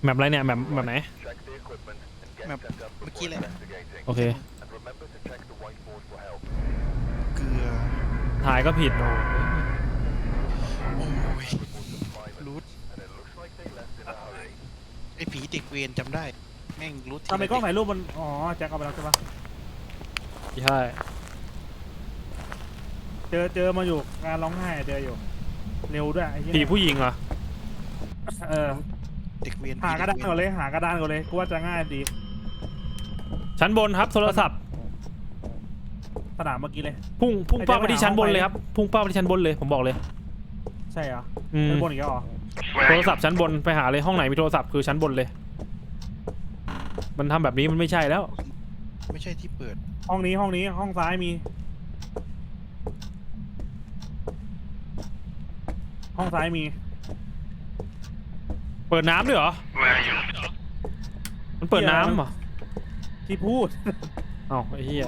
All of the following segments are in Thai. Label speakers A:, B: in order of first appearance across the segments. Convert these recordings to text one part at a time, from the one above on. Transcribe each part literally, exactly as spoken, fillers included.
A: แมปอะไรเนี่ยแมปแมปไหน
B: แบบเมื่อกี้เลย
A: โอเค
B: เกลือ
A: ถ่ายก็ผิดโอ้
B: โอ้ยรูทไอ้ผีเด็กเวรจำได้แม่งรูท
C: ทำไมกล้องถ่ายรูปมันอ๋อแจ็คเอาไปแล้วใช่ปะ
A: ใช่
C: เจอเจอมาอยู่งานร้องไห้เจออยู่เร็วด้วยไอ้เหี้ย
A: ผีผู้หญิงเหรอ
C: เออ
B: เด็กเวร
C: หากระดานก่อนเลยหากระดานก่อนเลยกูว่าจะง่ายดี
A: ชั้นบนครับโทรศัพท์
C: สนามเมื่อกี้เลย
A: พุ่งพุ่ง
C: ไอ้
A: เป้า
C: แจ็ค
A: ไปที่
C: ไปหา
A: ชั้นบน
C: ห้อง
A: เลย
C: ไป
A: ครับพุ่งเป้าไปที่ชั้นบนเลยผมบอกเลย
C: ใช่เหรอ
A: อืม
C: เป็นบนอีกแล้วเหรอ
A: โทรศัพท์ชั้นบนไปหาเลยห้องไหนมีโทรศัพท์คือชั้นบนเลย มันทำแบบนี้มันไม่ใช่แล้ว
B: ไม่ใช่ที่เปิด
C: ห้องนี้ห้องนี้ห้องซ้ายมี ห้องซ้ายมี
A: เปิดน้ำด้วยเหรอมันเปิดน้ำเหรอ
C: ที่พูด
A: เอ้าไอ้เหี้ย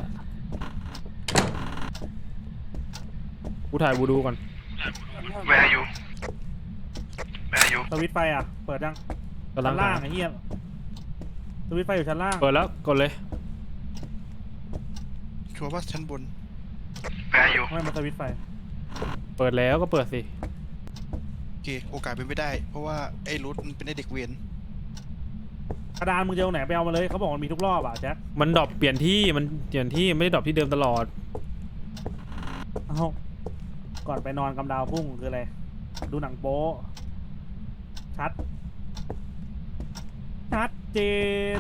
A: กูถ่ายบูดูก่อน
D: Where are you? Where are you?
C: สวิตช์ไฟอ่ะเปิดยัง
A: กำลั
C: ชั้
A: ง
C: นล่างไอ้เหี้ยสวิตช์ไฟอยู่ชั้นล่าง
A: เปิดแล้วกดเลย
B: ชัวร์ว่าชั้นบน
D: Where are you?
C: ไม่มาสวิตช์ไฟ
A: เปิดแล้วก็เปิดสิ
B: โอเคโอกาสเป็นไม่ได้ เพราะว่าไอ้รูทมันเป็นไอ้เด็กเวร
C: กระดานมึงจะเอาไหนไปเอามาเลยเขาบอกมันมีทุกรอบอ่ะแจ็ค
A: มันดรอปเปลี่ยนที่มันเปลี่ยนที่ไม่ได้ดรอปที่เดิมตลอด
C: เอ้าก่อนไปนอนกำดาวพุ่งคืออะไรดูหนังโป๊ชัดชัดเจน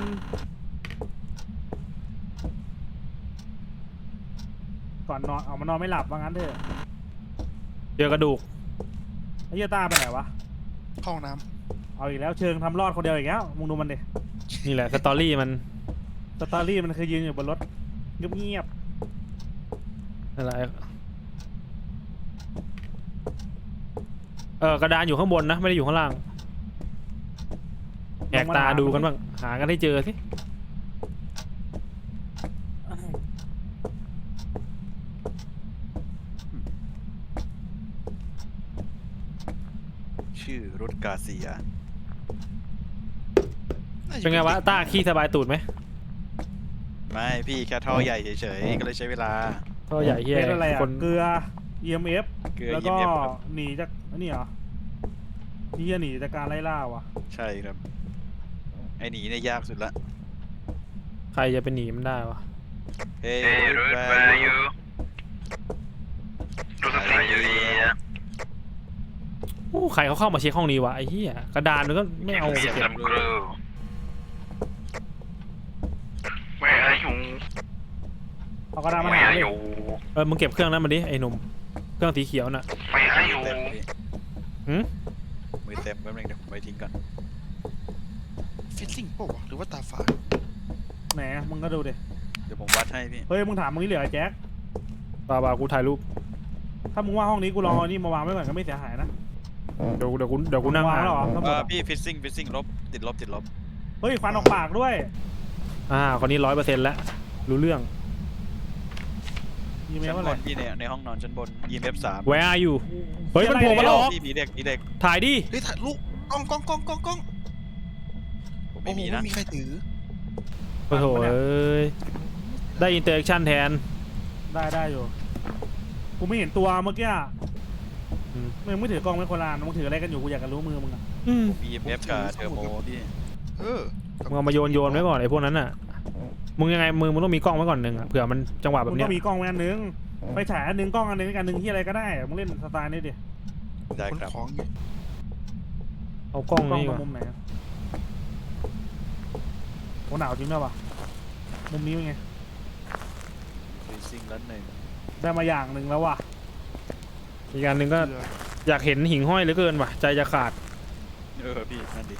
C: ก่อนนอนเอามานอนไม่หลับว่างั้นเถอะ
A: เจอกระดูก
C: ไอ้เหี้ยต้าไปไหนวะ
B: ห้องน้
C: เอาอีกแล้วเชิงทำรอดคนเดียวอีกแล้วมึงดูมันดิ
A: นี่แหละสตอรี่มัน
C: สตอรี่มันคือยืนอยู่บนรถเงียบ
A: อะไรเออกระดานอยู่ข้างบนนะไม่ได้อยู่ข้างล่างแหกตาดูกันบ้างหากันให้เจอสิ
E: ชื่อรถกาเซีย
B: ำาจ
A: เป็นไงวะต้าขี้สบายตูดไหม
E: ไม่พี่แค่ท่อใหญ่เฉยๆ ก็เลยใช้เวลา
A: ก็ใหญ่
C: ๆ
A: เฮีย
C: เป็นอะไรอ่ะ
A: คน
C: เกลือ อี เอ็ม เอฟ
E: เกลือ
C: แล้วก็
E: อี เอ็ม เอฟ ครับ
C: หนีจากอันนี้เหรอนี่จะหนีจากการไล่ล่าว่ะ
E: ใช่ครับ ไอหนีเนี่ยยากสุดละ
A: ใครจะไปหนีมันได้วะ
E: เฮ้ย
D: Hey, Ruth, where are you? Ruth, where are you?
A: โอ้ใครเขาเข้ามาเช็คห้องนี้วะไอ้เหี้ยกระดานมันก็ไม่เอา
D: Get
A: เก็บ
D: some crew. Where are you?
C: เอากระดานมา
D: Where
C: หา
D: are
C: เลย
D: you?
A: เออมึงเก็บเครื่องนั้นมาดิไอ้หนุ่มเครื่องสีเขียวน่ะ
D: Where are you?
E: เต็มพี่
A: หืม
E: มือเต็มแป๊บนึงเดี๋ยวผมไปทิ้งก่อน
B: ฟิตซิ่งเปล่าวะหรือว่าตาฝาด
C: แหมมึงก็ดูดิ
E: เดี๋ยวผมวัดให้พี่
C: เฮ้ยมึงถามมึงนี่เหลือไอ้แจ็ค
A: บาบากูถ่ายรูป
C: ถ้ามึงว่าห้องนี้กูลองเอานี่มาวางไว้ก่อนก็ไม่เสียหายนะ
A: เดี๋ยวเดี๋ยวกูเดี๋ยวกูนั่ง
C: วาง
A: อ่าน
C: แล้วเหรอ
E: เออพี่ฟิซซิ่งฟิซซิ่งลบติดลบติดลบ
C: เฮ้ยฟันออกปากด้วย
A: อ่าคนนี้ร้อยเปอร์เซ็นต์แล้วรู้เรื่อง
C: ยีเมล
E: ชั้น
C: ว่า
E: บ
C: อะไร
E: นพี่เนี่ยในห้องนอนชั้นบน อี เอ็ม เอฟ สาม
A: Where are you เฮ้ยมันโผล่มาหลอก
E: พี่ผีเด็กผีเด็ก
A: ถ่ายดิ
B: เฮ้ยถ่ายลูกกล้องกล้องกล้องกล้องกล้อง
E: ผม
B: โอ้
E: ไม่
B: โห
E: มี
B: ไม่
E: นะ
B: มีใครถือ
A: โอ้โหเอ้ยได้อินเตอร์แอคชั่นแทน
C: ได้ได้อยู่กูไม่เห็นตัวเมื่อกี้
A: อืม
C: มึงไม่ถือกล้องไม่คนละอันมึงถืออะไรกันอยู่กูอยากจะรู้มือมึงอะ
A: อืม
E: อี เอ็ม เอฟ กับเทอร์โมพี่
B: เออ
A: มึงเอามาโยนโยนไว้ก่อนไอ้พวกนั้นน่ะมึงยังไงมือมึงต้องมีกล้องไว้ก่อนหนึ่งอ่ะเผื่อมันจังหวะแบ
C: มึ
A: บ
C: ง
A: เนี้
C: ต้
A: ย
C: องมีกล้องไว้อันนึงไปฉายอันนึงกล้องอันนึงอันนึงที่อะไรก็ได้มึงเล่นสไตล์นี้ดิ
E: ได้
B: ขน
E: ครับ
B: ของอยู่
A: เอากล้อง
C: กล้อง
A: นี่
C: ตร
A: ก่อน
C: งมุมไหนอะโหหนาวจริงด้วยวะมุมนี้เป็นไง
E: ฟิซซิ่งแล้วหนึ่ง
C: ได้มาอย่างหนึ่งแล้วว่ะ
A: อีกอันหนึ่งก็
B: เกลือ
A: อยากเห็นหิ่งห้อยเหลือเกินว่ะใจจะขาด
E: เออพี่นั่นดิ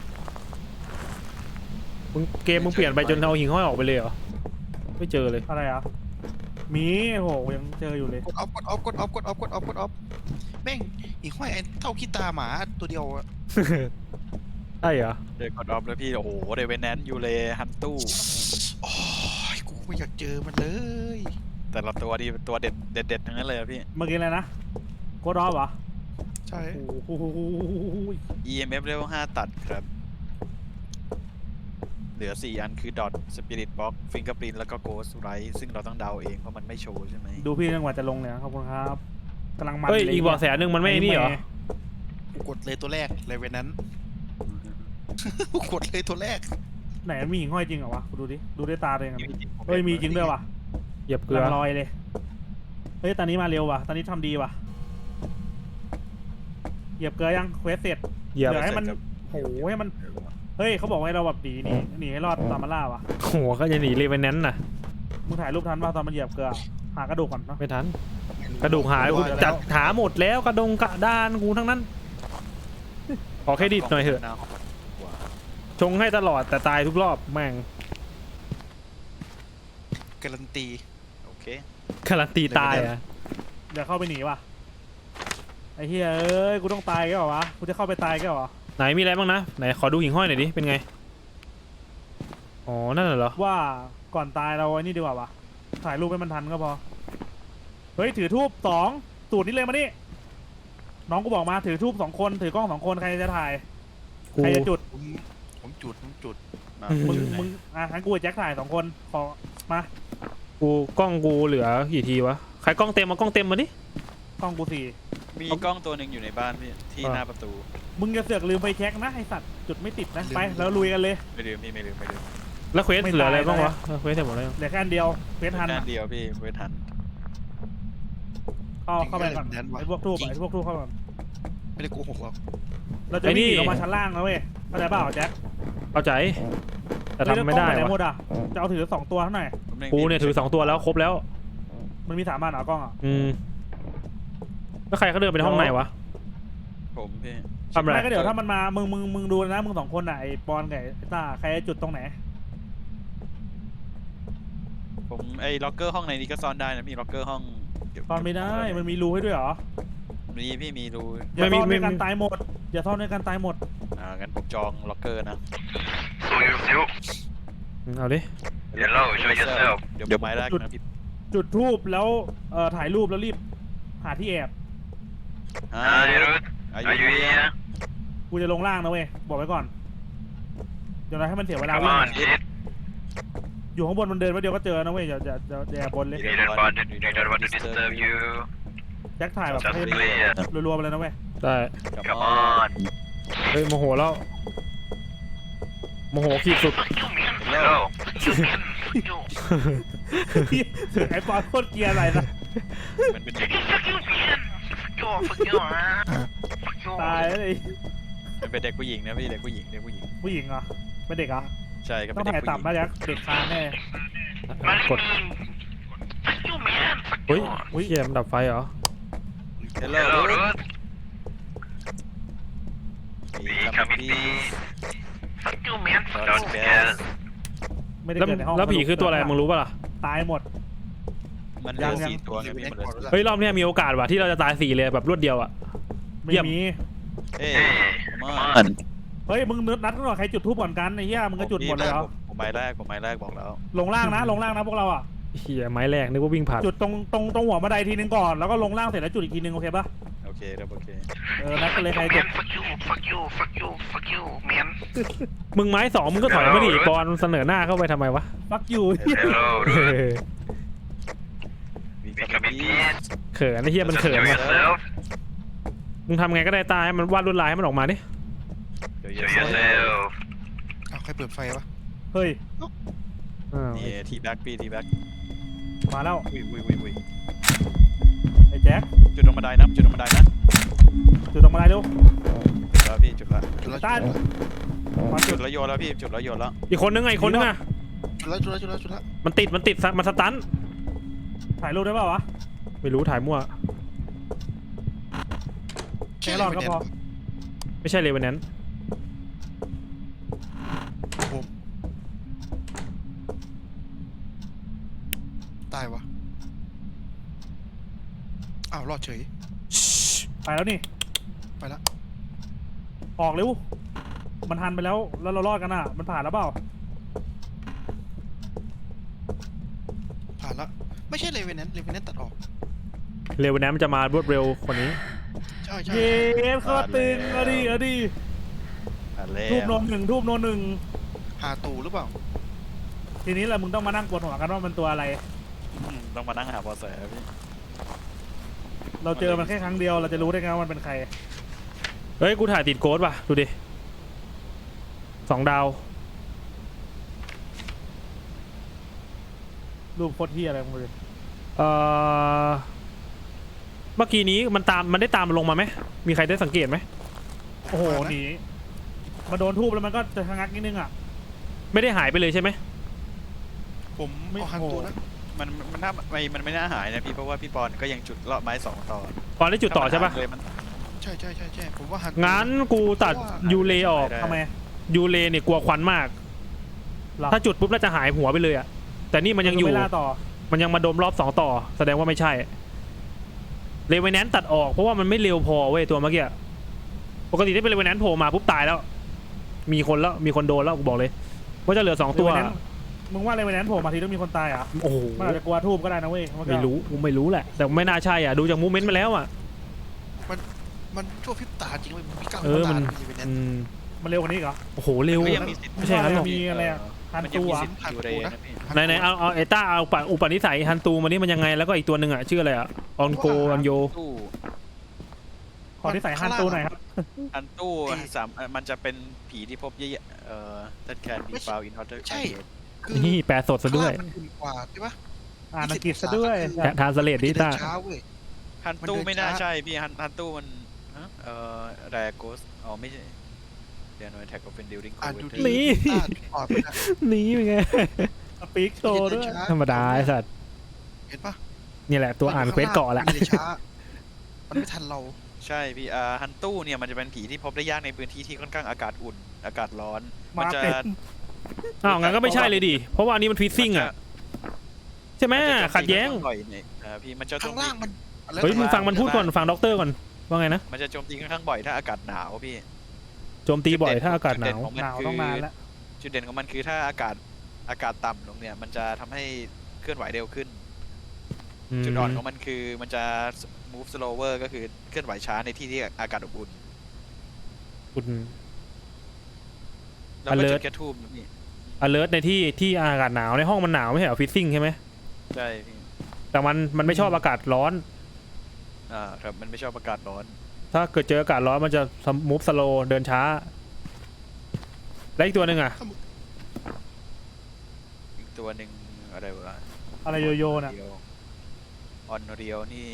A: มึงเกมมึงเปลี่ยนไปจนเอาหิ่งห้อยออกไปเลยเหรอไม่เจอเลย
C: อะไรอ่ะมีโหยังเจออยู่เลย
B: กดออฟกดออฟกดออฟกดออฟกดออฟกดออฟแม่งอีกห้อยไอ้เท่าขี้ตาหมาตัวเดียวอะ
A: ใช่เหรอ
E: เดี๋ยวกดออฟแล้วพี่โอ้โหเดเวนแนนยูเลฮันตู้
B: โอ้ยกูไม่อยากเจอมันเลย
E: แต่ละตัวดีตัวเด็ดเด็ดเด็ดทั้งนั้นเลยอะพี่
C: เมื่อกี้อะไรนะโคดออฟเหรอ
B: ใช่
C: โอ้โห
E: อี เอ็ม เอฟ level ห้าตัดครับเหลือสี่อันคือ dot spirit box fingerprint แล้วก็ ghost right ซึ่งเราต้องเดาเองเพราะมันไม่โชว์ใช่ไหม
C: ดูพี่จังหวะจะลงเนี่ยขอบคุณครับกำลังมัน
A: เฮ้ย
C: ล
A: อีกเบาะแสหนึ่งมันไม่นี่เหรอ
B: กูกดเลยตัวแรกเลยเวนนั้น กูกดเลยตัวแรก
C: ไหนมันมีหิ่งห้อยจริงเหรอวะกูดูดิดูด้วยตาตัวเองอะเฮ้ยมีจริงด้วยว่ะ
A: เหยียบเก
C: เก
A: ลื
C: ลื
A: อ
C: อลอยเลยเฮ้ยตอนนี้มาเร็วว่ะตอนนี้ทำดีว่ะเหยียบเกลือยังเควสเสร็จ
A: เหยียบ
C: เดี๋ยวให้มันโหให้มันเฮ้ยเขาบอกว่าให้เราแบบหนีหนีหนีให้รอดตามมาล่าว่ะ
A: โหัวก็จะหนีเลยไปนั้นน่ะ
C: มึงถ่ายรูปทันป่ะตอนมันเหยียบเกลือหากระดูกก่อนเนาะ
A: ไม่ทัน กระดูกหายกูจัดหาหมดแล้วกระดงกระดานกูทั้งนั้น ขอเครดิตหน่อยเถอะ ชงให้ตลอดแต่ตายทุกรอบแม่ง
B: การันตี
E: โอเค
A: การันตีตายอ่ะ
C: เดี๋ยวเข้าไปหนีว่ะไอ้เฮียเอ้ยกูต้องตายแกเหรอวะกูจะเข้าไปตายแกเหรอ
A: ไหนมีอะไรบ้างนะไหนขอดูหิ่งห้อยหน่อยดิเป็นไงอ๋อนั่นเหรอ
C: ว่าก่อนตายเราไอ้นี่ดีกว่าวะถ่ายรูปให้มันทันก็พอเฮ้ยถือทูบสองสูตรนี้เลยมานี่น้องกูบอกมาถือทูบสองคนถือกล้องสองคนใครจะถ่าย
A: กู
C: ใครจะจุด
B: ผมผมจุดผมจุด
E: มา
A: อื
C: มึง
E: จุดไหน
C: มึงอ่ะงั้นกูกับแจ็คถ่ายสองคนขอมา
A: กูกล้องกูเหลือกี่ทีวะใครกล้องเต็มมากล้องเต็มมาดิ
C: กล้องกูสี่
E: มีกล้องตัวหนึ่งอยู่ในบ้านพี่ที่
A: อ่า
E: หน้าประตู
C: มึงจะเสือกลืมไปแช็คนะไอสัตว์จุดไม่ติดนะไปแล้วลุยกันเลย
E: ไม่ลืมพี่ไม่ลืมไม่ลืม
A: แล้วเควส
C: ไม่
A: เหลืออะไร
C: ตาย
A: บ้าง
C: นะ
A: วะเออเควสเสร็จหมดแล้วยัง
C: เหลือแค่อันเดียวเฟสทัน
E: แค่
C: อะ
E: เดียวพี่เวทัน
C: เข้าเข้าไปก่อนไอพวกทูบไอพวกทูบเข้าก่อน
B: ไม่ได้โกหกหรอก
C: เราจะวิ่งหนีลงมาชั้นล่างนะเว้ยเข้าใจเปล่าแจ็ค
A: เข้าใจแต่ทำไม่ได้
C: เฮ้ยแล้วกล้องปหนหม
A: วะ
C: ดอ่ะจะเอาถือสองตัวเท่าไหร่
A: กูเนี่ยถือสองตัวแล้วครบแล้ว
C: มันมีสามอันเหรอกล้องอ่ะ
A: อืมแล้วใครเขาเดินไปในห้องไหนวะ
E: ผมพี่
A: ทำอะไร
C: ไม่ก็เดี๋ยวถ้ามันมามึงมึงมึงดูนะมึงสองคนอ่ะไอปอนกับไอต้าใครจะจุดตรงไหน
E: ผมไอ้ล็อกเกอร์ห้องในนี้ก็ซ่อนได้นะพี่ล็อกเกอร์ห้องเก็บ
C: ตอนไม่ได้มันมีรูให้ด้วยเหรอ
E: มีพี่มีรู
C: อย่าซ่อนด้วยกันตายหมดอย่าซ่อนด้วยกันตายหมด
E: อ่างั้นผมจองล็อกเกอร์นะ
D: So you feel
A: อืมเอาดิ
D: Hello, show yourself.
E: เดี๋ยวผมไม้แรกนะพี่
C: จุดทูบแล้วเอ่อถ่ายรูปแล้วรีบหาที่แอบ
E: อ่า
D: Hi, Ruth.
E: อา
D: Are you here?
C: กูจะลงล่างนะเว้ยบอกไว้ก่อนเดี๋ยวเราให้มันเสียเวลา
D: Come
C: วิ่ง
D: on, kid.
C: อยู่ข้างบนมันเดินไว้เดียวก็เจอนะเว้ยอย่าอย่าอย่าอย่าแอบบนเลย
D: We don't want to, we don't want to disturb you.
C: แจ็คถ่ายแบบ
D: Just
C: ให้
D: clear.
C: รัวๆไปเลยนะเว้ย
A: ได้
D: Come on.
A: เฮ้ยโมโหแล้วโมโหขีดสุด
D: Hello.
C: ถึงไอ้ปอนโคตรเกรียร์อะไรนะ
E: มันเป็นเด็ก
C: ตายเลย
E: มันเป็นเด็กผู้หญิงนะพี่เด็กผู้หญิงเด็กผู้หญิง
C: ผู้หญิงเหรอเป็นเด็กเหรอ
E: ใช่ครับ
C: ต้
E: เป็
C: อน ง
E: เด็ก
C: ถ่าย
E: ผู้หญิง
C: ต่ำนะแจ็คเด็กคานแน่
A: กดเฮ้ยอุ้ยเกมนดับไฟเหรอ
E: เฮลโล
D: Hello,
E: รูท
D: Ruth.
E: มี
D: We
E: คัม
D: come in
E: ปี้
D: peace. Don't scare.
C: ไม่ได้
A: แล้ว
C: เกิดในห้อง
A: แล้วผีคือตัวอะไรมึงรู้ป่ะล่ะ
C: ตายหมด
E: มันเหลื
C: ยั
E: อง
C: ยัง
E: สี่ตัวไงพี่มันเหลือสี่
A: เฮ้ยรอบเนี้ยมีโอกาสว่ะที่เราจะตายสี่เลยแบบรวดเดียวอ่ะ
C: ไม่
A: เยี่ยม
C: มี
E: เอ้ย
D: Hey,
E: ม
D: come
E: อน
D: on.
C: เฮ้ยมึงนัดกันหน่อยใครจุดทูบก่อนกันไอ้เหี้ยมึงก็จุดหมดเลยเหรอ
E: ผมไม้แรกผมไม้แรกบอกแล้ว
C: ลงล่างนะลงล่างนะพวกเราอ่ะ
A: เฮียไม้แรกนึกว่าวิ่งผ่าน
C: จุดตรงตรงตรงหัวบันไดทีนึงก่อนแล้วก็ลงล่างเสร็จแล้วจุดอีกทีนึงโอเคปะ
E: โอเคครับโอเค
C: เออนัดกันเลยใครจุด
D: Man, fuck you, fuck you, fuck you, fuck you, man.
A: มึงไม้สองมึงก็ถอยมาดิบอลเสนอหน้าเข้าไปทำไมวะ
C: ฟักอยู่
D: Hello,
A: เอ
D: Ruth.
A: อ
E: มี
D: We
E: คัม
D: come in
E: ปี้
D: peace.
A: เขินไอ้เฮียมัน
D: Just
A: เขิน
D: show
A: ว่ะ
D: yourself.
A: มึงทำไงก็ได้ตายให้มันวาดลวดลายให้มันออกมาดิ
E: เดี๋ยว
D: Show
E: เยอะ
D: yourself.
B: อ้าวใครเปิดไฟวะ
C: เฮ้ย
A: อ้าว
E: นี่ทีแบ็กพี่ทีแบ็ก
C: มาแล้ว
E: อุ้ยอุ้ยอุ้ยอุ้ย
C: ไอ้แจ็ค
E: จุดลงบันไดนะจุดลงบันไดนะ
C: จุดตรงบันไดเร็ว
E: จุดแล้วพี่จุดแล้ว
B: จุดแล้ว
C: ต้านมา
E: จุ
C: จุ
E: ด
C: ด
E: แล้วโยนแล้วพี่จุดแล้วโยนแล้ว
A: อีกคนนึงไงอีกคนนึงอ่ะ
B: จุดแล้วจุดแล้วจุดแล้วจุดแล้ว
A: มันติดมันติดมันสตัน
C: ถ่ายรูปได้เปล่าวะ
A: ไม่รู้ถ่ายมั่ว
C: แค่รอดก็พอ
A: ไม่ใช่เลยวันนั้น
B: ผมตายวะอ้าวรอดเฉย
C: ไปแล้วนี่
B: ไปละ
C: ออกเร็วมันทันไปแล้วแล้วเรารอดกันอ่ะมันผ่านแล้วเปล่า
B: ผ่านละไม่ใช่เลเวนแนนเลเวนแนนตัดออก
A: เร็ววันนั้นมันจะมารวดเร็วกว่านี้
B: ใช่ใช่
C: เย้เข้าตึงเอาดิเอาดิ
E: อ่ะแล้
C: ทูบ
E: ว
C: โนนหนึ่งทูบโนนหนึ่ง
B: หาตูหรือเปล่า
C: ทีนี้แหละมึงต้องมานั่งปวดหัวกันว่ามันตัวอะไร
E: อืมต้องมานั่งหาเบอแสพี่
C: เราเจอมันแค่ครั้งเดียวเราจะรู้ได้ไงว่ามันเป็นใคร
A: เฮ้ยกูถ่ายติดโกดป่ะดูดิสองดาว
C: รูปโคตรเที่ยอะไรมึงเลย
A: เอ่อเมื่อกี้นี้มันตามมันได้ตามมันลงมาไหมมีใครได้สังเกตไหม
C: โอ้โหหนีมาโดนทูบแล้วมันก็จะชะงักนิดนึงอ่ะ
A: ไม่ได้หายไปเลยใช่ไหม
B: ผม
C: ไม่
B: เอาหันตูนะ
E: มันมันน่าไม่มันไม่น่าหายนะพี่เพราะว่าพี่ปอนก็ยังจุดเลาะไม้สองต่อ
A: ตอนได้จุดต่อใช่ปะ
E: ถ้ามันหายเลยมัน
B: ใช่ใช่ใช่ใช่ผมว่าหันตู
A: งั้นกูตัดยูเลออก
E: ได้
C: ทำไม
A: ยูเลเนี่ยกลัวควันมาก
C: หรอ
A: ถ้าจุดปุ๊บน่าจะหายหัวไปเลยอะแต่นี่มันยังอยู่
C: ไม่ล่าต่อ
A: มันยังมาดมรอบสองต่อ แสดงว่าไม่ใช่เลเวนแนนตัดออกเพราะว่ามันไม่เร็วพอเว้ยตัวเมื่อกี้ปกติถ้าเป็นเลเวนแนนโผล่มาปุ๊บตายแล้ว มีคนแล้วมีคนโดนแล้วกูบอกเลยว่าจะเหลือสองตัว
C: เลเวนแนนซ์มึงว่าอะไรวันนั้นโผล่มาทีต้องมีคนตายเหรอ่ะ
A: โอ้โห
C: มันอาจจะกลัวทูบก็ได้นะเว้ยนก็
A: ไม่รู้กูไม่รู้แหละ แต่ไม่น่าใช่อ่ะดูจากมูเมนต์มาแล้วอ่ะ
B: มันชั่วพริบตาจริงเลยมันมีก้าว
A: เออ
B: ตา
A: มัน
B: เลยเป็นแน
A: อืม
C: มันเร็วกว่านี้อีกเหรอ
A: โอ้โหเร็ว
E: ก็ยังมีสิทธิ์
A: ไม่ใช่งั้นหรอก
C: มีอะไรอะ ฮัน
E: มันยัง
C: ตู
E: มี
C: อะ
E: สิทธิ์อยู่เรนะพี่
A: ไหนไหนเอาเอาไอต้าเอาปะอุปนิสัยฮันตูมานี่มันยังไงแล้วก็อีกตัวหนึ่งอ่ะชื่ออะไรอ่ะออนโกอันโย
E: ตู้
C: ขอที่ใส่ฮันตูหน่อยครับ
E: อันตู้สามมันจะเป็นผีที่พบเยอะๆเอ่อ that can be found in hotter
B: ใช่
E: climate
B: คือ
A: นี่แปลสดซะด้วย
B: ข้างล่างมันอุ่นกว่าใช่ปะ
C: อ่านอังกฤษซะด้วย
A: ทานสเลดดิ
B: มันจะเดิ
A: ต้าน
B: ช้าเว้ย
E: ฮันตู้
B: มันเดิน
E: ไม่น่า
B: ช้า
E: ใช่พี่ฮันฮันตู้มันฮะเอ่อแรโกสอ๋อไม่ใช่เดี๋ยวหน่อยแท็กก็เป็นดิวริงโค
B: อ่าน
E: เว
B: ดู
E: เตอ
B: ดี
E: ร์
A: นี่
B: อ่านอ่อนไปนะ
A: หนีเป็นไง
C: สปีกโชว์ด้วย
A: ธรรมดาไอสัตว์
B: เห็นปะ
A: นี่แหละตัวอ่านเควสเกาะแหละ
B: มันเลยช้า มันไม่ทันเรา
E: ใช่พี่อ่าฮันตู้เนี่ยมันจะเป็นผีที่พบได้ยากในพื้นที่ที่ค่อนข้างอากาศอุ่น อากาศร้อน
C: มา
E: จะ
C: เต็ม
A: อ้าวงั้นก็ไม่ใช่เลยดิเพราะว่าอันนี้มันฟีซซิ่งอ่ะใช่ไหม
E: มันจะ
A: ขัดแย้ง
E: โจมตีค่อนข้าบ่อยเนี่ยอ่าพี่มันจะโจ
B: ข้าง
E: มตี
B: ล่างมันอะไร
A: เฮ้ยมึง
B: วะ
A: ฟังมันพูดก่อนฟังด็อกเตอร์ก่อนว่าไงนะ
E: มันจะโจมตีค่อนข้างบ่อยถ้าอากาศหนาวพี่
A: โจมตีบ่อยถ้าอากาศหนาว
E: จุดเด่นของมัน
C: หนาว
E: คือ
C: ต้องนานแล้ว
E: จุดเด่นของมันคือถ้าอากาศอากาศต่ำลงเนี่ยมันจะทำให้เคลื่อนไหวเร็วขึ้น
A: ม
E: จุดอ่อนของมันคือมันจะ move slower ก็คือเคลื่อนไหวช้าในที่ที่อากาศอบอุ่น
A: คุณ
E: แล้วก็จุ
A: alert
E: ดแค่ทูบนะพี่
A: alert ในที่ที่อากาศหนาวในห้องมันหนาวไม่ใช่เหรอฟีซซิ่งใช่ไหม
E: ใช่พี่
A: แต่มันมันไม่ชอบอากาศร้อน
E: อ่าครับมันไม่ชอบอากาศร้อน
A: ถ้าเกิดเจออากาศร้อนมันจะมูฟสโลเดินช้า และอีกตัวหนึ่งอ่ะ
E: อีกตัวหนึ่งอะไรวะ
C: อะไรโยโย่น่ะ
E: ออนเรียวนี่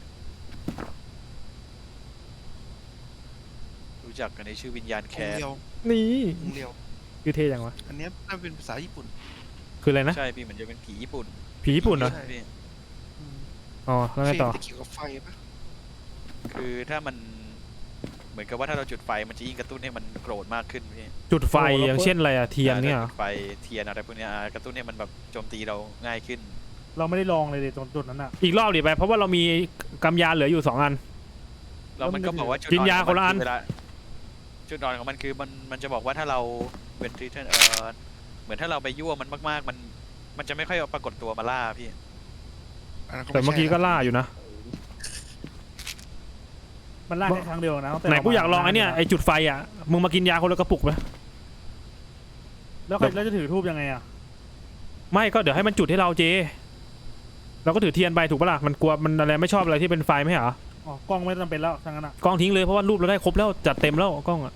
E: รู้จักกันในชื่อวิญญาณ
B: อง
E: แค
B: ค์
E: น
B: เดียว
A: นี่
B: องค์เดียว
A: คือเท่จังวะ
B: อันเนี้ยน่าเป็นภาษาญี่ปุ่น
A: คืออะไรนะ
E: ใช่พี่เหมือนจะเป็นผีญี่ปุ่น
A: ผีญี่ปุ่นเหรอ
B: ใช่
E: พี่
A: อ๋อแล้วไงต่อ
B: เฟรมจะเกี่ยวกับไฟปะ
E: คือถ้ามันเหมือนกับว่าถ้าเราจุดไฟมันจะยิ่งกระตุ้นให้มันโกรธมากขึ้นพี่
A: จุดไฟอย่างเช่นอะไรอะเทียนเนี่ยเหรอ
E: จุดไฟเทียนอะไรพวกเนี้ยอ่ากระตุ้นให้มันแบบโจมตีเราง่ายขึ้น
C: เราไม่ได้ลองเลยดิตรงจุดนั้นอ่ะ
A: อีกรอบดิไปเพราะว่าเรามีกำยานเหลืออยู่สองอัน
E: แล้วมันก็บอกว่าจุด
A: กินยา
E: ขงมั
A: คนละอัน
E: เวลาจุดอ่อนของมันคือมันมันจะบอกว่าถ้าเราเป็นทรีเทนเอ่อเหมือนถ้าเราไปยั่วมันมากๆ มันมันจะไม่ค่อยปรากฏตัวมาล่าพี่
B: อันนั้น
A: แต่เมื่อกี้ก็
B: ไใช่
A: ล่าอยู่นะ
C: มันลากแค่ครั้งเดียวนะตั้งแต่
A: ไหนกูอยากลองไอ้เนี่ยไอ้จุดไฟอ่ะมึงมากินยาคนละกระปุกไหม
C: แล้วใครแล้วจะถือทูบยังไงอ่ะ
A: ไม่ก็เดี๋ยวให้มันจุดให้เราเจเราก็ถือเทียนไปถูกปะล่ะมันกลัวมันอะไรไม่ชอบอะไรที่เป็นไฟไม่ใช่เหรอ
C: อ๋อกล้องไม่จำเป็นแล้วทั้งนั้นอ่ะ
A: กล้องทิ้งเลยเพราะว่ารูปเราได้ครบแล้วจัดเต็มแล้วกล้องอ่ะ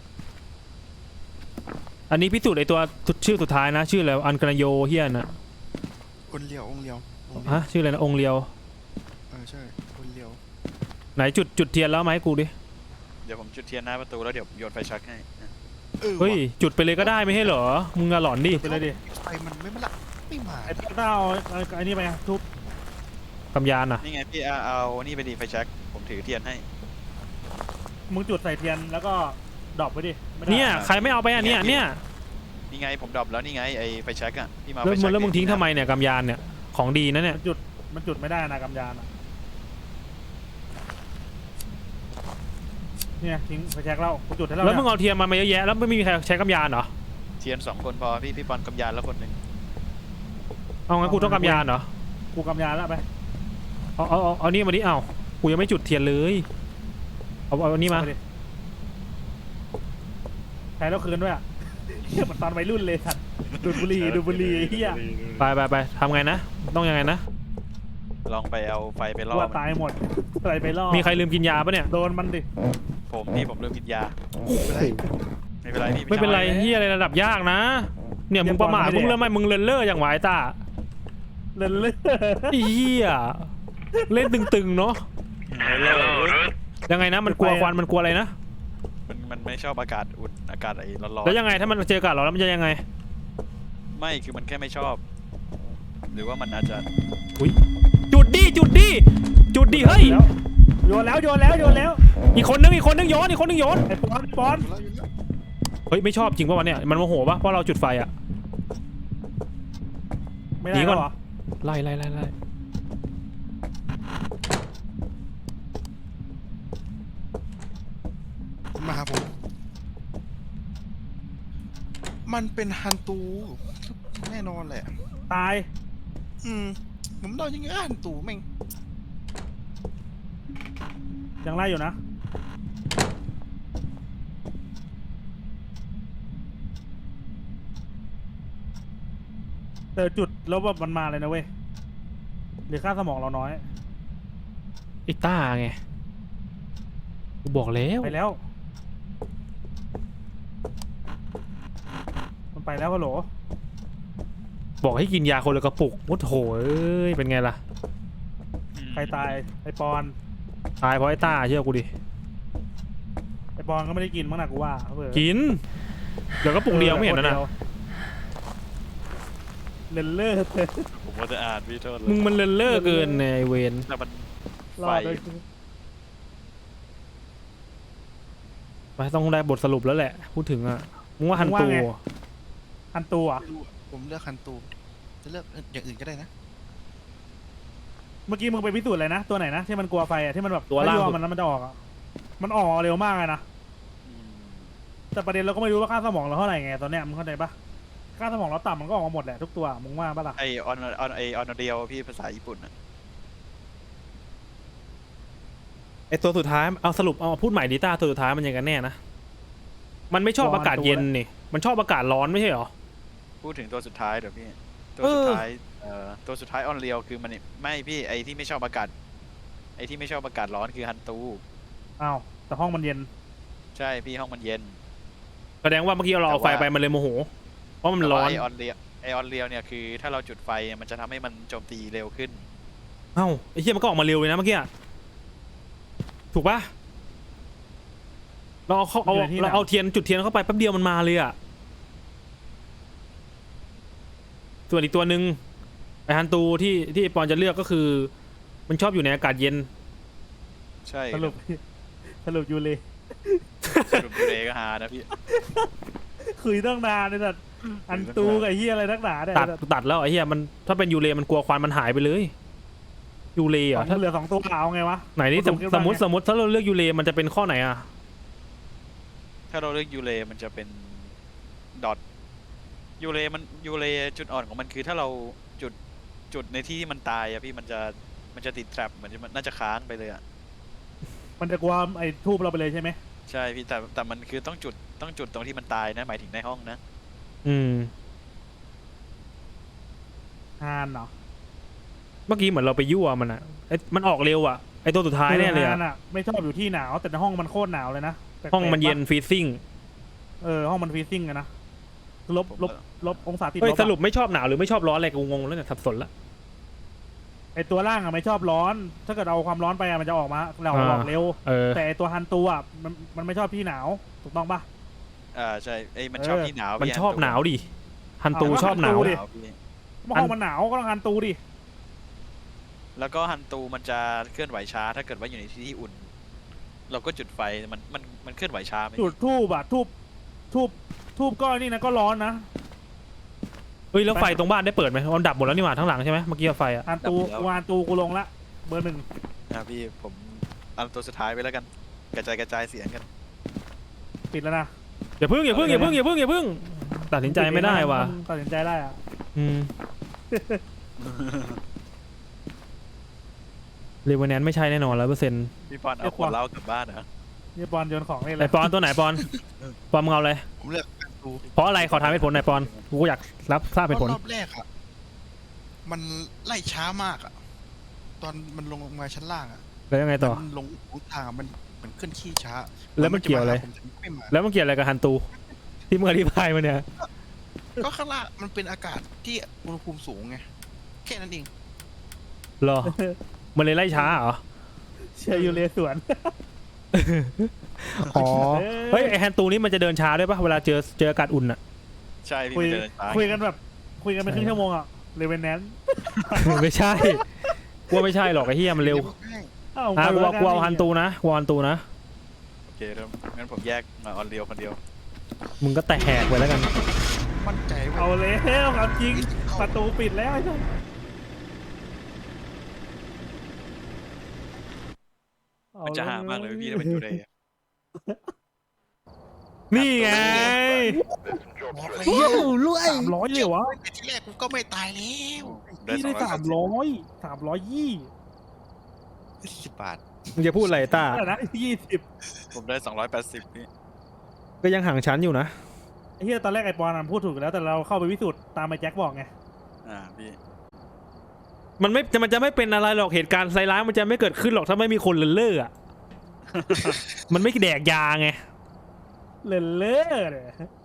A: อันนี้พิสูจน์ไอ้ตัวชื่อสุดท้ายนะชื่ออะไรอันกระโยเฮียน่ะ
B: องค์เดียวองค์เดียวองค์เดียว
A: ฮะชื่ออะไรนะองค์เลียว
B: เออใช่องค์เดียว
A: ไหนจุดจุดเทียนแล้วไหมาให้กูดิ
E: เดี๋ยวผมจุดเทียนหน้าประตูแล้วเดี๋ยวโยนไฟชักให้นะ
B: เออ
A: เฮ้ย
B: ว่ะ
A: จุดไปเลยก็ได้ไม่ใช่เหรอมึงอะหลอนดิ
C: ไปเลยดิ
B: ไฟมันไม่มาละไม่มา
C: ไอ้ต้าเอาเอาไอ้นี่ไปอะทูบ
A: กำยานอ่ะ
E: นี่ไงพี่เอาเอานี่ไปดีไฟชักผมถือเทียนให้
C: มึงจุดใส่เทียนแล้วก็ดรอปไว้ดิไม่ได้
A: เนี่ยใครไม่เอาไปอ่ะเนี่ยเนี่ย
E: นี่ไงผมดรอปแล้วนี่ไงไอไฟชักอ่ะพี่มา
A: แล้ว
E: ไฟ
A: มึ
E: ชั
A: ง
E: ก
A: แล้วมึงทิ้งทำไมเนี่ยกำยานเนี่ยของดีนะเนี่ย
C: มันจุดมันจุดไม่ได้นะกำยานอะเนี่ยทิ้งไปแช็กเรากูจุดให้เรา
A: แล้วมึง
C: เนี่ย
A: เอาเทียนมามาเยอะแยะแล้วไม่มีใครใช้กำยานเหรอ
E: เทียนสองคนพอพี่พี่ปอนกำยานแล้วคนหนึ่ง
A: เอางั้นกูต้องกำยานเหรอ
C: กูกำยานแล้วไป
A: เอาเอาเอาเอานี่มาดิเอากูยังไม่จุดเทียนเลยเอาเอาอันนี้มา
C: เอไปดิใช้แล้วคืนด้วยอะเฮียเหมือนตอนวัยรุ่นเลยสัตว์ดูดบุหรี่ดูดบุหรี่เฮีย
A: ไปไปไปทำไงนะต้องยังไงนะ
E: ลองไปเอาไฟไปล่
C: ตั
E: อ
C: ว
E: มัน
C: ตายหมดอะไรไปล่อ
A: มีใครลืมกินยาปะเนี่ย
C: โดนมันดิ
E: ผมนี่ผมเริ่มกินยา
B: ไม่เป็นไร
E: ไม่เป็นไรพี่
A: ไม่เป็นไรเฮียอะไรระดับยากนะ เนี่ยมึงประมาทมึงเริ่มไม่มึงเลินเล่ออย่างหวายตา
C: เล่นเล่น
A: ไอ้เฮียเล่นตึงๆเนาะ
E: เลิก
A: ยังไงนะมันกลัวควันมันกลัวอะไรนะ
E: มันมันไม่ชอบอากาศอุ่นอากาศไอ้ร้อน
A: แล้วยังไงถ้ามันเจออากาศร้อนแล้วมันจะยังไง
E: ๆไม่คือมันแค่ไม่ชอบ หรือว่ามันอาจจะ
A: จุดดิจุดดิจุดดิเฮ้ย
C: โยนแล้วโยนแล้วโยนแล้ว
A: อีกคนนึงอีกคนนึงโยนอีกคนนึงโยน
C: ไอ้ปอนปอน
B: อยู่แล้วอยู่แล้ว
A: เฮ้ยไม่ชอบจริงป่ะวะเนี่ยมันโมโหป่ะเพราะเราจุดไฟอะ
C: ไม่
A: หนี
C: ได้
A: ก่อน
C: เหรอ
A: ไล่ไล่ไล่ไล่
B: มาหาผมมันเป็นฮันตูแน่นอนแหละ
C: ตาย
B: อืมผมเดายังไงฮันตูแม่ง
C: ยังไล่อยู่นะเจอจุดแล้วแบบมันมาเลยนะเว้ยหรือค่าสมองเราน้อย
A: ไอ้ต้าไงกูบอกแล้ว
C: ไปแล้วมันไปแล้วฮัลโหล
A: บอกให้กินยาคนละกระปุกโอ้โหเอ้ยเป็นไงล่ะ
C: ใครตายไอ้ปอน
A: ตายเพราะไอ้ต้าเชื่อกูดิ
C: ไอ้ปอนก็ไม่ได้กินมั้งนะกูว่าเผื่อ
A: กินเดี๋ยวกระปุกเดียวไม่เห็นนะนะ
C: เลนเลอร์
E: ผมว่าจะอ่านพี่โทษเล
A: มึ
E: ย
A: งมันเลินเล่อเกินในเวน
E: แล้วมัน
C: ร
E: ไฟ
C: อดเลย
A: ไปต้องได้บทสรุปแล้วแหละพูดถึงอ่ะมึงว่าฮันตู
C: อันตัว
B: ไม่รู้อะผมเลือกฮันตูจะเลือกอย่างอื่นก็ได้นะ
C: เมื่อกี้มึงไปพิสูจน์อะไรนะตัวไหนนะที่มันกลัวไฟอ่ะที่มันแบบ
A: ตัวล่าง
C: ถ้า
A: สุด
C: มันแล้วมันจะออกอ่ะมันออกเร็วมากเลยนะ
E: อืม
C: แต่ประเด็นเราก็ไม่รู้ว่าค่าสมองเราเท่าไหร่ไงตอนเนี้ยมึงเข้าใจปะค่าสมองเราต่ำมันก็ออกมาหมดแหละทุกตัวมึงว่าปะล่ะ
E: ไอออนออนไอออนเดียวพี่ภาษาญี่ปุ่นอะ
A: ไอตัวสุดท้ายเอาสรุปเอาพูดใหม่ดิต้าตัวสุดท้ายมันยังกันแน่นะมันไม่ชอบอากาศเย็นนี่มันชอบอากาศร้อนไม่ใช่เหรอ
E: พูดถึงตัวสุดท้ายเดี๋ยวพี่ตัว
A: เออ
E: สุดท้ายเอ่อตัวสุดท้ายออนเรียวคือมันไม่พี่ไอที่ไม่ชอบอากาศไอที่ไม่ชอบอากาศร้อนคือฮันตู
C: อ้าวแต่ห้องมันเย็น
E: ใช่พี่ห้องมันเย็น
A: แสดงว่าเมื่อกี้เราเอาไฟไปมันเลยโมโหเพราะมันร้อน
E: ไอออนเรียวไอออนเรียวเนี่ยคือถ้าเราจุดไฟมันจะทำให้มันโจมตีเร็วขึ้น
A: เอ้าไอ้เหี้ยมันก็ออกมาเร็วเลยนะเมื่อกี้อะถูกปะเราเอาเข้าเอาเราเอาเทียนจุดเทียนเข้าไปแป๊บเดียวมันมาเลยอะส่วนอีกตัวหนึ่งไอฮันตูที่ที่ไอ้ปอนจะเลือกก็คือ มันชอบอยู่ในอากาศเย็น
E: ใช่
C: สรุป สรุปยูเลย
E: สรุปดูเรก็หานะพี่
C: คุยตั้งนานเลยสัตว์อันตูกับไอ้เฮียอะไรนักหนาเนี่ย
A: ตัดตัดแล้วไอ้เหี้ยมันถ้าเป็นยูเรมันกลัวควันมันหายไปเลยยูเร
C: ส
A: อ่ะ
C: อง
A: ถ้า
C: เหลือสองตัวเอาไงวะ
A: ไหนนี่สม
C: ผคิด
A: ส
C: ว่าม
A: มติ
C: ไง
A: สมมติถ้าเราเลือกยูเรมันจะเป็นข้อไหนอ่ะ
E: ถ้าเราเลือกยูเรมันจะเป็นดอทยูเรมันยูเรจุดอ่อนของมันคือถ้าเราจุดจุดในที่ที่มันตายอะพี่มันจะมันจะติดแทรปเหมือนจะมันน่าจะค้างไปเลยอะ
C: มันจะกลัวไอ้ทูบเราไปเลยใช่ไหม
E: ใช่พี่แต่แต่มันคือต้องจุดต้องจุดตรงที่มันตายนะหมายถึงในห้องนะ
A: อืม
C: ฮานเนาะ
A: เมื่อกี้เหมือนเราไปยั่วมันอ่ะไอ้มันออกเร็วอ่ะไอ้ตัวสุดท้ายแน่เลย
C: ฮา
A: อะ
C: นอะไม่ชอบอยู่ที่หนาวแต่ในห้องมันโคตรหนาวเลยนะแปลกๆ
A: ห้องมันเย็น
C: ปะ
A: ฟรีซิ่ง
C: เออห้องมันฟรีซิ่งอะนะลบลบลบองศาติด
A: เฮ้ย
C: ลบ
A: ส
C: อะ
A: รุปไม่ชอบหนาวหรือไม่ชอบร้อนอะไรกูงงแล้วเนี่ยสับสนละ
C: ไอตัวล่างอะไม่ชอบร้อน ถ้าเกิดเอาความร้อนไปอะมันจะออกมาเราออกเร็ว
A: เออ
C: แต่ไอ้ตัวฮันตัวอะมันมันไม่ชอบที่หนาวถูกต้องปะ
E: อ่าใช่ไอ้ยมันชอบ
C: เออ
E: ที่หนาว
A: มัน
E: พี่
A: ชอบหนาวดิฮันตู
C: เอา
A: ชอบหนาว
C: ฮันตูดิ
E: หนาวพี่
C: เมื่อห้องมันหนาวก็ต้องฮันตูดิ
E: แล้วก็ฮันตูมันจะเคลื่อนไหวช้า ถ้าเกิดว่าอยู่ในที่ที่อุ่น เราก็จุดไฟมันมันมันเคลื่อนไหวช้าไหม
C: จุดทูบอะทูบทูบทูบก้อนนี่นะก็ร้อนนะ
A: เฮ้ยแล้วไฟตรงบ้านได้เปิดไหมมันดับหมดแล้วนี่หว่าทั้งหลังใช่ไหมเมื่อกี้ไฟอ่ะ
C: ฮันตูกูฮันตูกูลงละเบอร์หนึ่ง
E: อ่ะพี่ผมเอาตัวสุดท้ายไปแล้วกันกระจายกระจายเสียงกัน
C: ปิดแล้วนะ
A: อย่าพึ่งอย่าพึ่งอย่าพึ่งอย่าพึ่งอย่าพึ่งตัดสินใจไม่ได้ว่ะ
C: ตัดสินใจได้อะ
A: อืมเรเวแนนไม่ใช่แน่นอนร้อยเปอร์เซ็นต์
E: พี่ปอนเอาขวดเหล้ากลับบ้านเหรอ
C: นี่บอลโยนของนี่แห
A: ไอ
C: ละ
A: ปอนตัวไหนปอนปอนมึงเอาเลย
B: ผมเลือกฮันดู
A: เพราะอะไรขอถามเหตุผลหน่อยปอนกูอยากรับทราบเหตุผล
B: รอบแรกอะมันไล่ช้ามากอะตอนมันลงมาชั้นล่างอะ
A: แล้วยังไงต่อ
B: มันลงทางอะมันเหมือนเคลื่อนที่ช้า
A: แล้วมันเกี่ยวอะไร
B: ผมจะไม่มา
A: แล้วมันเกี่ยวอะไรกับฮันตู ที่มึงอธิบายมาเนี่ย
B: ก็ข้างล่างมันเป็นอากาศที่อุณหภูมิสูงไงแค่นั้นเอง
A: เหรอ มันเลยไล่ช้าเหรอ
C: เชียร์ยูเลสวน
A: อ๋อ เฮ้ยไอฮันตูนี่มันจะเดินช้าด้วยปะเวลาเจอเจออากาศอุ่นอะ
E: ใช่พี่
C: คุย
E: มันเดินช้า
C: คุยกันแบบคุยกันเป็นครึ่งชั่วโมงอ่ะเลเวนแนน
A: ไม่ใช่กูว่าไม่ใช่หรอกไอ้เหี้ยมันเร็ว
C: อ้าว
A: อ่ะกู
C: คุย
A: ว่ากูเอาฮันตูนะกูเอาฮันตูนะ
E: โอเคเริ่มงั้นผมแยกมาออนเรียวคนเดียว
A: มึงก็แตะแหกไปแล้วกัน
B: มั่นใจไว้
C: เอาเลยความจริงประตูปิดแล้วไอ้ท่าน
E: มันจะหามากเลยพี่ถ้าเป็นยูเรย์
A: นี่ไง
B: บอกเลย
C: เฮ้ยสามร้อยเลยวะ
B: แต่ที่แรกกูก็ไม่ตายแล้ว
C: พี่ได้สามร้อยสามร้อยยี่
B: สิบบาท
A: มึงจะพูดอะไรต้า
C: อะไรนะยี่สิบ
E: ผมได้สองร้อยแปดสิบพี่
A: ก็ยังห่างชั้นอยู่นะ
C: ไอ้เหี้ยตอนแรกไอ้ปอนมันพูดถูกแล้วแต่เราเข้าไปพิสูจน์ตามไอ้แจ็คบอกไง
E: อ่าพี่
A: มันไม่มันจะไม่เป็นอะไรหรอกเหตุการณ์ไซร้ายมันจะไม่เกิดขึ้นหรอกถ้าไม่มีคนเลินเล่ออะ มันไม่แดกยาไง
C: เล่นเล่อเนี่ย